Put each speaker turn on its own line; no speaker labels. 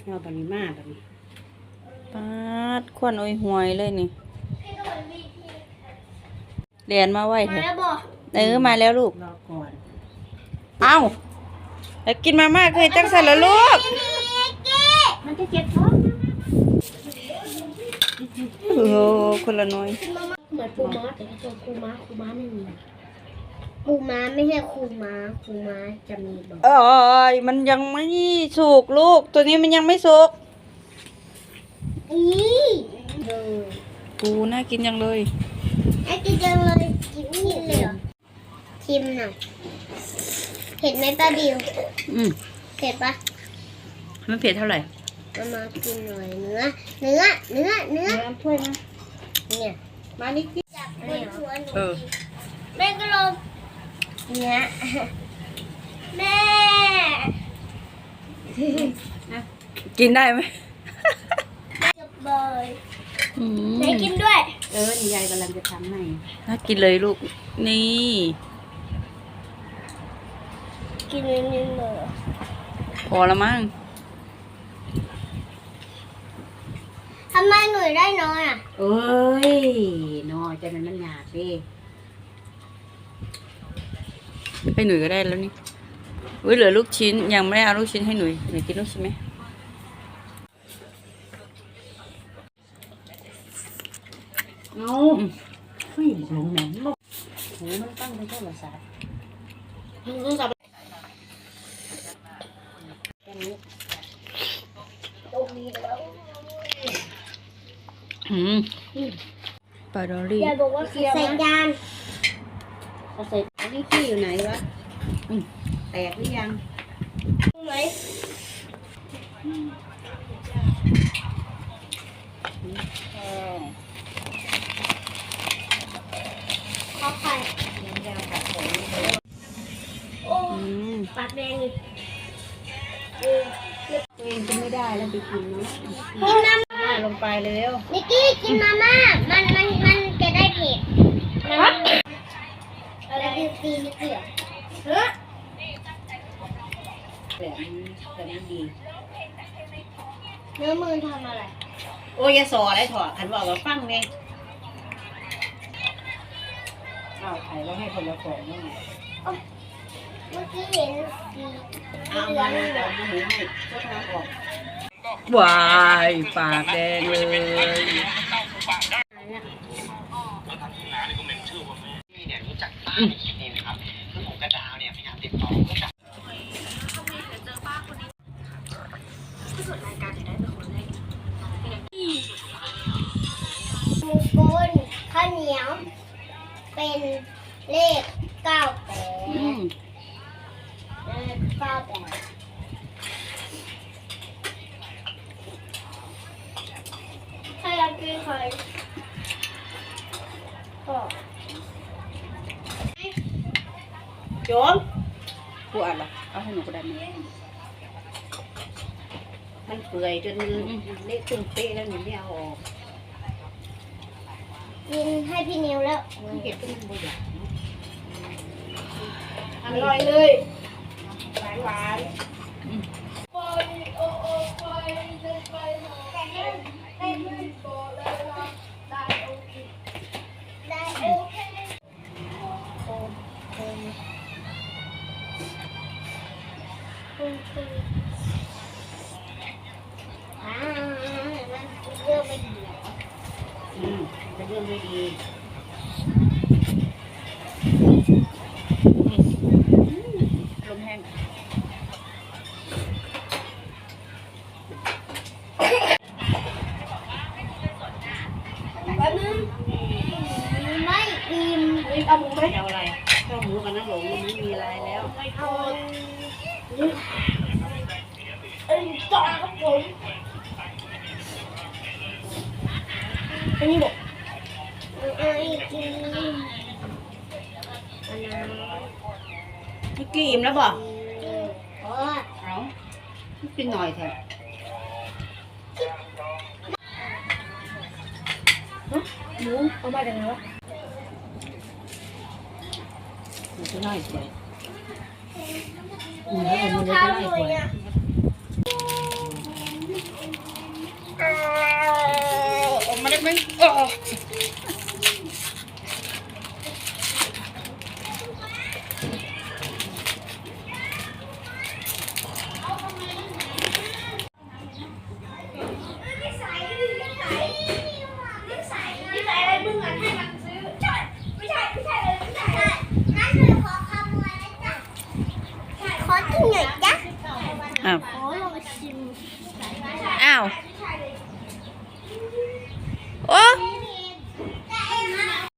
เราปริมาแบบนี้
ปาดควันอ้อยหวยเลยนี่เรียนมาไว้เถอะมาแล้วลูก
รอก่อน
เอ้าแล้วกินมาม่าเคยจังสันแล้วลูก
มันจะเจ็บท้อง
โอ้คนละน้อย
เหมือนปูม้าแต่ถ้าตัวปูม้าไม่มีปูม้าไม่ใช่ปูม้าจะมีบอก
มันยังไม่สุกลูกตัวนี้มันยังไม่สุกปูน่ากินยังเลย
น่ากินจังเลยกินเลยเหรอชิมหน่อยเผ็ดไหมป้าบิวเผ็ดปะ
มันเผ็ดเท่าไหร่
มากินหน่อยเนื้อ
ถ้วยนะ
เนี่ย
มานี่กิน
จับหัวหนูแม่ก็ลงเนี่ยแม่
กินได้ไหม
จับบอยไหนกินด้วย
นี่ยายกำลังจะทำให้
น่ากินเลยลูกนี่
กินนิดๆเลย
พอละมั้ง
ทำไมหนูได้น้อย
น้อยแต่มันหยาบดิ
ให้หนุ่ยก็ได้แล้วนี่เหลือลูกชิ้นยังไม่ได้เอาลูกชิ้นให้หนุ่ยกินลูกชิ้นไหม
เอาหลงแหนมโหมันตั้งเป็นโทรศัพท์
ปลาดอลลี่
ยายบอกว่าใส่จาน
เอาใส่อันนี้ขี้อยู่ไหนวะแตกหรือยัง
ไหมข้าวไข่โอ้ปากแดงเลย
ตัวเองกินไม่ได้แล้วไปกินเนาะ
กินมาม่า
ลงไปเร็ว
นิกกี้กินมาม่ามันจะได้เผ็ดอะไรคือตีนิกกี้
แต่มันดี
เนื้อมือทำอะไร
โอ้ยสออะไรถอดขันบอกว่าฟังไงเอาไข่แล้วให้คนละของนี่
เมื่อกี้เห็นสีเหลือง
หมูให้ชดน้ำออก
วายปากแดงเลย
เนี่ยรู้จักป้านี่นะครับคือผมกระดาวเนี่ยพยายามติดต่อก็จับเจอป้าคนนี้ผู้ส่วนรายการจะได้เป็นคนแรก
หมูกนข้าวเหนียวเป็นเลข98ใครอยากกินใคร
โยมกูอ่านละเอาให้หนูก็ได้มันเปื่อยจนเละตึงเป๊ะแล้วหนูไม่เอาออก
กินให้พี่นิวแล้ว
เก็บเป็นบุหรี่อร่อยเลยหวาน
เรื่องไม่ดี
เป็นเรื่องไม่ดีลมแห้ง
แป๊บนึงไม่อิ่ม
เอาหมูไหมเอาอะไรเอาหมูกับน้ำหลงไม่มีอะไรแล้ว
เอาต่อครับผมอันนี้บอกกิน
เมื่อกี้อิ่มแล้วบอก
เอา
กินหน่อยเถอะ
หมูเอามาจากไหนวะ
มันจะน่าสวย
แม่เอาข้าวสวยอ่ะ